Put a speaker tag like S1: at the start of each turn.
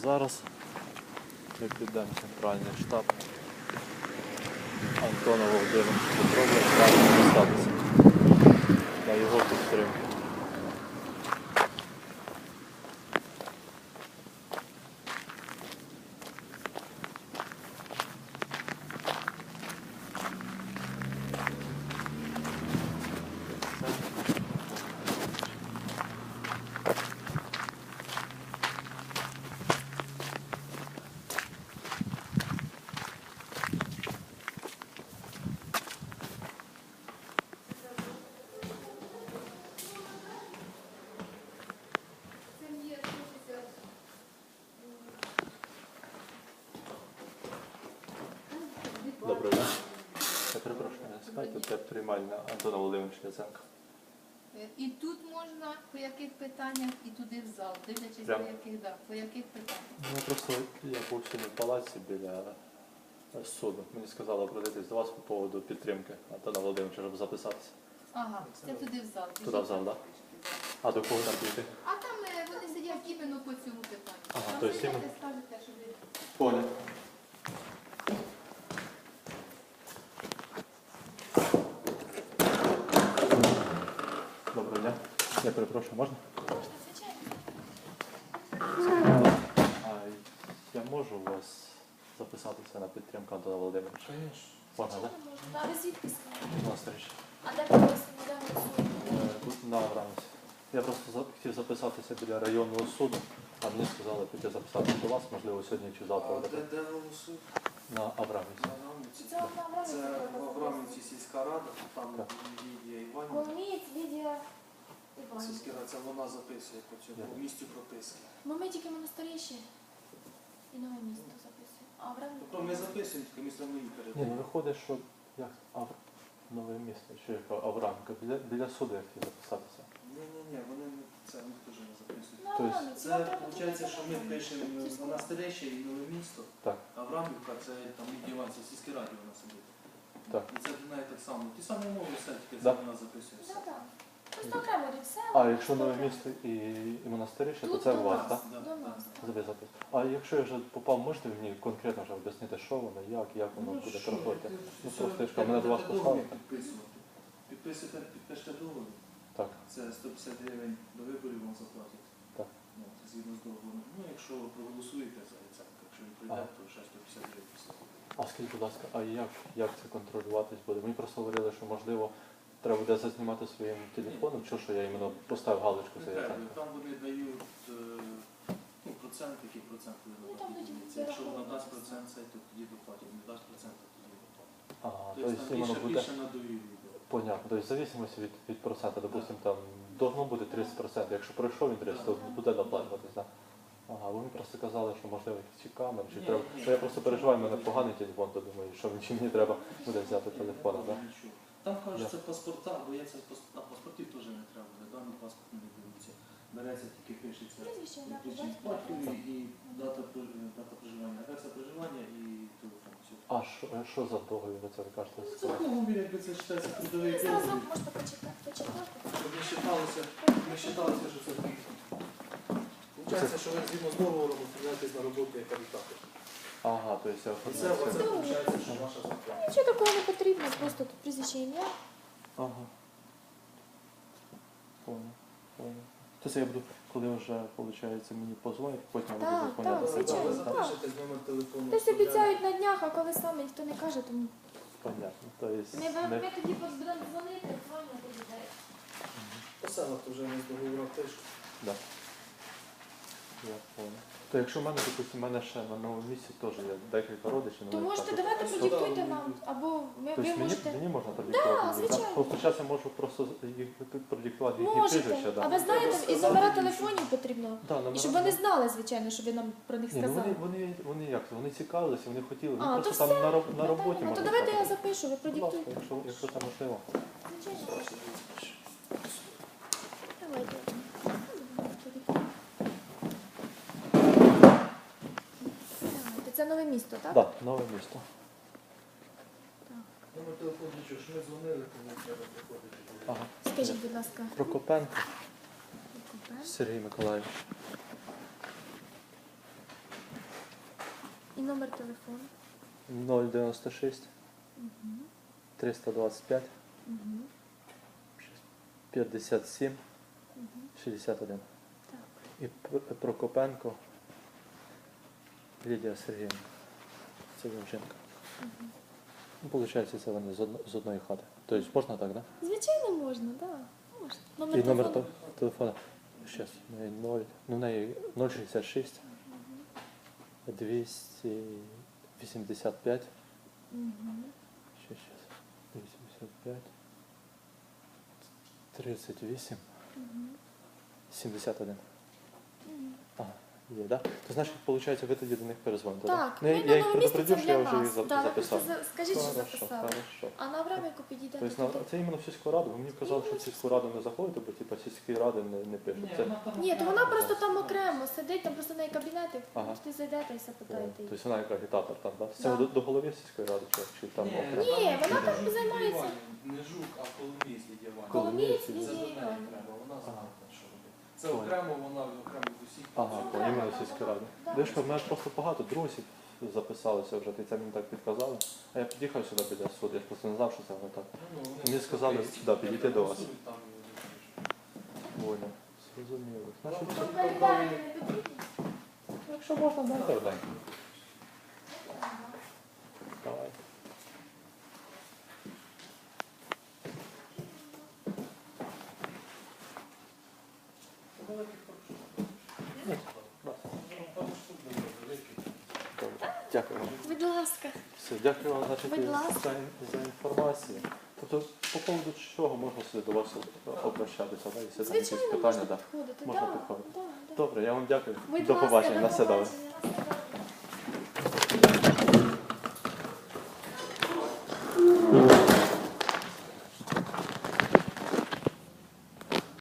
S1: зараз ми підемо в центральний штаб Антона Володимировича Петрова правильно статусу на його підтримку. Доброго дня. Я перепрошую, скажіть, це приймальна Антона Володимировича Яценка.
S2: І тут можна, по яких питаннях, і туди в зал, дивлячись,
S1: Прямо?
S2: по яких питаннях.
S1: Ну, просто я був сьогодні в палаці біля суду. Мені сказали обратитись до вас по поводу підтримки Антона Володимировича, щоб записатися.
S2: Ага, це туди в зал.
S1: Туди в зал, так? А до кого там піти?
S2: А там вони сидять іменно по цьому питанню.
S1: Ага,
S2: Там
S1: то есть
S2: сидять
S1: іменно-
S2: і скажете, що ви...
S1: Понял. Доброго дня. Я перепрошую, можна? А я можу у вас записатися на підтримку Антона Володимировича? Можна, так?
S3: А ви звідки?
S1: У нас річ.
S3: А де ви голосуєте?
S1: Тут на Аврамівці. Я просто хотів записатися біля районного суду, а мені сказали піти записатися до вас, можливо, сьогодні чи завтра.
S4: Де голосують?
S1: На Аврамівці.
S4: На Аврамівці.
S3: Це одна
S4: Це в Аврамівці сільська рада, там
S1: Так.
S4: Лідія Іванівна.
S3: Коломієць, Лідія Іванівна.
S4: Сільська рада, це вона записує по цьому
S1: Дякую.
S4: місцю прописки.
S3: Ну ми тільки монастиріші і нове місто записуємо. А в
S4: Тобто ми записуємо, тільки ми самі її
S1: Ні, ну
S4: передаємо.
S1: виходить, що як нове місто, чи яка Аврамівка, біля суду я хотів записатися.
S4: Ні, вони це ми теж не записують.
S3: Ну,
S1: Тобто
S3: Аврамівці,
S4: Це
S3: вам треба
S4: виходить,
S3: туди
S4: що ми
S3: заходити.
S4: пишемо монастирище і нове місто,
S1: Так.
S4: а Аврамівка це там Лідія Іванівна, в сільській раді вона сидить.
S1: Так.
S4: І це для неї так само. Ті самі умови все, тільки
S1: Да.
S4: це вона записує все.
S3: Да, да. Просто окремо йдуть села.
S1: А якщо нове місто і монастирище, то
S3: Тут
S1: це
S3: до
S1: у вас,
S3: нас.
S1: так?
S4: Да,
S3: До
S4: да.
S3: нас.
S1: Запис. А якщо я вже попав, можете мені конкретно вже об'яснити, що воно, як воно буде
S4: що,
S1: проходити? Ну,
S4: все,
S1: просто я ж кажу, мене до вас
S4: договір
S1: послали.
S4: підписувати. Підпишете договір.
S1: Так.
S4: Це 150 гривень до виборів вам заплатять.
S1: Так.
S4: Ну, це згідно з договором. Ну, якщо ви проголосуєте за Яценка, якщо він прийде, то ще 150 гривень після виборів.
S1: А скажіть, будь ласка, а як це контролюватись буде? Мені просто говорили, що можливо треба буде зазнімати своїм телефоном, що я іменно поставив галочку за
S4: Не треба.
S1: Яценка.
S4: Там вони дають процент, який процент
S3: Ну,
S4: вони
S3: там
S4: дають.
S3: будуть
S4: Якщо вона
S3: вираховувати
S4: дасть
S3: все.
S4: процент, це, то тоді доплатять. Не дасть процент, то тоді доплатять.
S1: Ага,
S4: Тобто
S1: тобто
S4: там
S1: іменно буде
S4: більше на довір'ю йде.
S1: понятно. Тобто в зависимості від проценту, допустим, там должно бути 30%. Якщо пройшов він 30, то буде доплачуватись, так? Ага, ви мені просто казали, що можливо якісь камери, чи
S4: Ні,
S1: треба.
S4: ні.
S1: Бо я просто переживаю, в мене поганий телефон, то думаю, що чи мені треба буде взяти телефон, так?
S4: Нічого. Там кажуть, це паспорта, бо я це на паспортів теж не треба буде. Даний паспорт не беруться. Береться тільки пишеться.
S3: Прізвище, ім'я, по
S4: Причина
S3: батькові,
S4: батькові
S3: адреса.
S4: і дата проживання. Адреса проживання і телефон. Все.
S1: А що за договір ви це ви кажете?
S4: Це договір, якби це вважається трудовий
S3: Ну,
S4: договір.
S3: зразок можете почитати.
S4: Щоб не вважалося, що це фікс. Получається, що ви згідно з договором оформляєтесь на роботу як кандидати.
S1: Ага, то есть я
S4: І це виходить, що ваша зарплата.
S3: Нічого такого не потрібно, просто тут прізвище ім'я.
S1: Ага. Понял. Тобто я буду, коли вже, виходить, мені позвонять, потім я буду
S3: Так,
S1: заповняти.
S3: так, звичайно.
S4: Ви запишете з номер телефону.
S3: Десь обіцяють на днях, а коли саме ніхто не каже, тому
S1: Понятно. То есть,
S3: ми тоді будемо дзвонити, дзвонити людей.
S4: По селах то вже не з договором пишуть.
S1: Да. Я понял. То якщо в мене, допустим, в мене ще на новому місці теж є декілька родичів.
S3: То
S1: вони
S3: можете
S1: кажуть,
S3: давайте
S4: Сюди.
S3: продиктуйте нам, або ви
S1: Тобто
S3: можете.
S1: мені можна продиктувати? їх,
S3: звичайно.
S1: Просто зараз я можу просто їх продиктувати їхні
S3: Можете.
S1: прізвища.
S3: А
S1: Да.
S3: ви знаєте, і номера телефонів потрібно.
S1: Да,
S3: І
S1: номера,
S3: щоб вони знали, звичайно, що ви нам про них
S1: Ні, ну
S3: сказали.
S1: вони як це? Вони цікавилися, вони хотіли.
S3: А,
S1: Вони
S3: то
S1: просто там
S3: все.
S1: на роботі
S3: Ну, то
S1: можна
S3: давайте я
S1: сказати.
S3: запишу, ви
S1: Будь ласка,
S3: продиктуйте.
S1: якщо це можливо.
S3: Звичайно. Давайте. Давайте. Це нове місто, так?
S1: Так, нове місто.
S4: Номер телефону нічого, що ми дзвонили, тому треба приходити.
S1: Ага.
S3: Скажіть, будь ласка.
S1: Прокопенко
S3: Купе.
S1: Сергій Миколаївич.
S3: номер телефону.
S1: 096
S3: Угу.
S1: 325
S3: Угу.
S1: 57
S3: Угу.
S1: 61.
S3: Так.
S1: І Прокопенко Лідія Сергіївна. Це жінка.
S3: Угу.
S1: Ну, получається, це вони з одної хати. Тобто можна так, так? Да?
S3: Звичайно, можна, так. Да. Можна.
S1: І номер телефона. Щас, в неї 0, ну в неї 066 285.
S3: Угу.
S1: Щас. 85 38
S3: Угу.
S1: 71.
S3: Угу.
S1: Ага, є, так? Да? То значить, виходить, ви тоді до них перезвоните,
S3: Так,
S1: Ну,
S3: ми
S1: я
S3: на
S1: їх
S3: новому місці,
S1: предупредив,
S3: це
S1: що я
S3: для
S1: вже їх
S3: вас. Да, ви просто
S1: записав.
S3: скажіть, що
S1: Хорошо,
S3: записали.
S1: хорошо.
S3: А на временку підійдете
S1: Тобто,
S3: туди.
S1: це іменно в сільську раду. Ви мені казали, що в сільську раду не заходите, бо типу, сільські ради не пишуть. Це,
S3: Ні, то вона просто там окремо сидить, там просто в неї кабінети,
S1: Ага.
S3: ти зайдете і все питаєте. її.
S1: тобто вона як агітатор там, так? Це
S3: Да.
S1: до голови сільської ради чи там окремо?
S3: Ні, вона там займається.
S4: Не жук, а коломієць Лідія Іванівна.
S3: Коломієць
S1: Коломієць.
S4: Це до
S3: Лідія
S4: неї
S3: Іванівна.
S4: треба, вона знає, що робити. Це
S1: Понял.
S4: окремо, вона окремо від усіх.
S1: Ага,
S3: Ну,
S1: то
S3: да,
S1: іменно
S3: да,
S1: сільська
S3: да.
S1: рада.
S3: Да.
S1: Дивишка, в мене просто багато друзів записалися вже, і це мені так підказали. А я під'їхав сюди біля суду, я ж просто не знав, що це воно так. Мені сказали, да, підійти до вас. Воля. Зрозуміло. Значить,
S3: Там кабінети не потрібні?
S1: якщо можна, дайте. Давай. Добре. Дякую вам.
S3: Будь ласка.
S1: Все, дякую вам значить,
S3: Будь ласка.
S1: за інформацію. Тобто, по поводу чого можна сюди до вас обращатися, да? Якщо там якісь
S3: Звичайно,
S1: питання,
S3: можна
S1: да.
S3: підходити.
S1: Можна
S3: Да,
S1: підходити.
S3: да, да.
S1: Добре, я вам дякую.
S3: Будь
S1: До
S3: ласка,
S1: побачення,
S3: до
S1: на все добре.
S3: побачення.